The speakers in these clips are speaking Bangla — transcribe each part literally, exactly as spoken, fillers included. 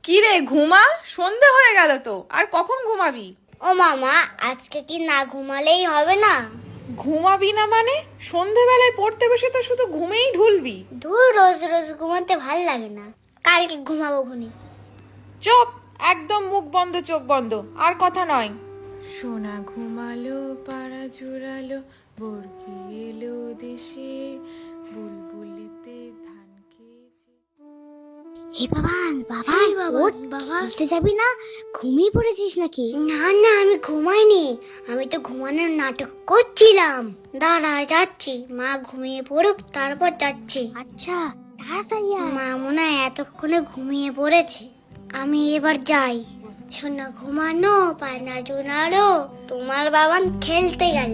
কি রে ঘুমা, সন্ধে হয়ে গেল তো, আর কখন ঘুমাবি? ও মামা, আজকে কি না ঘুমালেই হবে না? ঘুমাবি না মানে? সন্ধেবেলায় পড়তে বসে তো শুধু ঘুমেই ঢুলবি। ধুর, রোজ রোজ ঘুমাতে ভাল লাগে না, কালকে ঘুমাবো ঘুনি। চুপ, একদম মুখ বন্ধ চোখ বন্ধ, আর কথা নয়। সোনা ঘুমালো পাড়া জুড়ালো, বর্গি এলো দেশে, বুলবুলিতে ধান খেয়েছে। হে বাবান, বাবা ওঠ, বাবা খেলতে যাবি না? ঘুমিয়ে পড়েছিস নাকি? না না, আমি ঘুমাইনি, আমি তো ঘুমানোর নাটক করছিলাম। দাঁড়া, যাচ্ছি, মা ঘুমিয়ে পড়ুক তারপর যাচ্ছি। আচ্ছা, তাড়াতাড়ি আয়। মা মনে হয় এতক্ষণে ঘুমিয়ে পড়েছে, আমি এবার যাই। সোনা ঘুমানো পানা জোনালো, তোমার বাবান খেলতে গেল।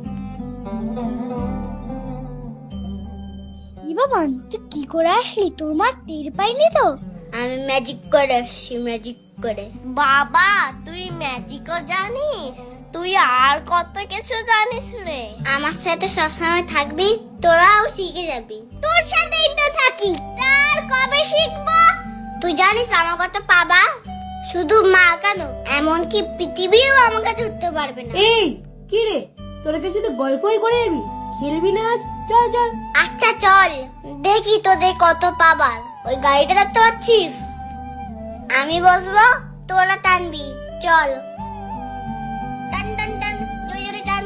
বাবান, তুই কি করে আসলি? তোর মা টের পাইনি তো? আমি ম্যাজিক করে আসছি, ম্যাজিক করে। বাবা, তুই ম্যাজিকও জানিস? তুই আর কত কিছু জানিস রে। আমার সাথে সবসময় থাকবি, তোরাও শিখে যাবি। তোর সাথেই তো থাকি, তার কবে শিখবো? তুই জানিস আমার কত পাবা? শুধু মা কেন, এমনকি পৃথিবীও আমাকে ধরতে পারবে না। এই কি রে, তোরা কিছু তো গল্পই করে যাবি, খেলবি না আজ? চল চল। আচ্ছা চল, দেখি তোদের কত পাবার। ওই গাড়িটা দেখতে পাচ্ছিস? আমি বসবো, তোরা টানবি। চল, টান টান টান, জোরে জোরে টান।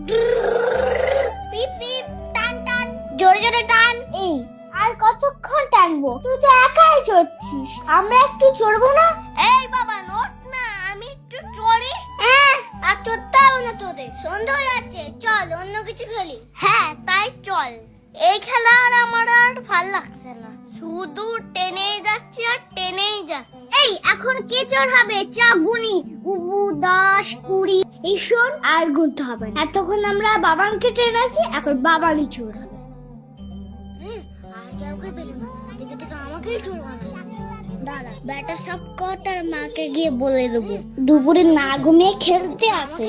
পিপ পিপ, টান টান, জোরে জোরে টান। এই, আর কতক্ষণ টানবো? তুই তো একাই চড়ছিস, আমরা একটু চড়বো না? এই বাবা, নোট না, আমি একটু চড়ি। হ্যাঁ, আর চড়তে হবে না তোদের, সন্ধ্যা হয়ে যাচ্ছে। চল অন্য কিছু খেলি। হ্যাঁ তাই চল, এই খেলা আর আমার আর ভাল লাগছে না, শুধু টেনেই যাচ্ছি আর টেনেই যাচ্ছি। এই, এখন কে চোর হবে? চা গুনি, উবু দশ কুড়ি, এই শোন, আর গুনতে হবে না। এতক্ষণ আমরা বাবানকে টেনেছি, এখন বাবানই চোর হবে। আর কাউকে পেলো না, দেখে দেখে আমাকেই চোর বানালো। দাঁড়া, বেটা সব কটার মাকে গিয়ে বলে দেবো দুপুরে না ঘুমিয়ে খেলতে আসে।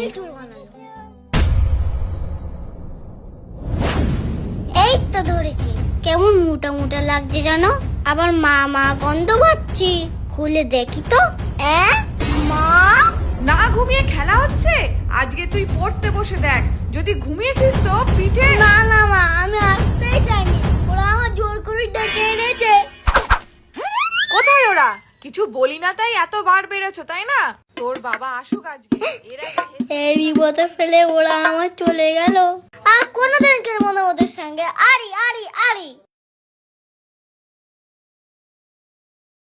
এই তো ধরেছি। কেমন মোটা মোটা লাগছে জানো, আবার মা মা গন্ধ পাচ্ছি। খুলে দেখি তো। অ্যাঁ, মা? না ঘুমিয়ে খেলা হচ্ছে? আজকে তুই পড়তে বসে দেখ, যদি ঘুমিয়েছিস তো পিঠে। না না মা, আমি আসতেই চাইনি, ওরা আমার জোর করে ডেকে এনেছে। কোথায় ওরা? কিছু বলি না তাই এত বার বেড়েছো, তাই না? তোর বাবা আসুক আজকে, এর আগে হেসে- এই বিপদে ফেলে ওরা আমার চলে গেল। আর কোনোদিন খেলবো না ওদের সঙ্গে। আরি আরি আরি।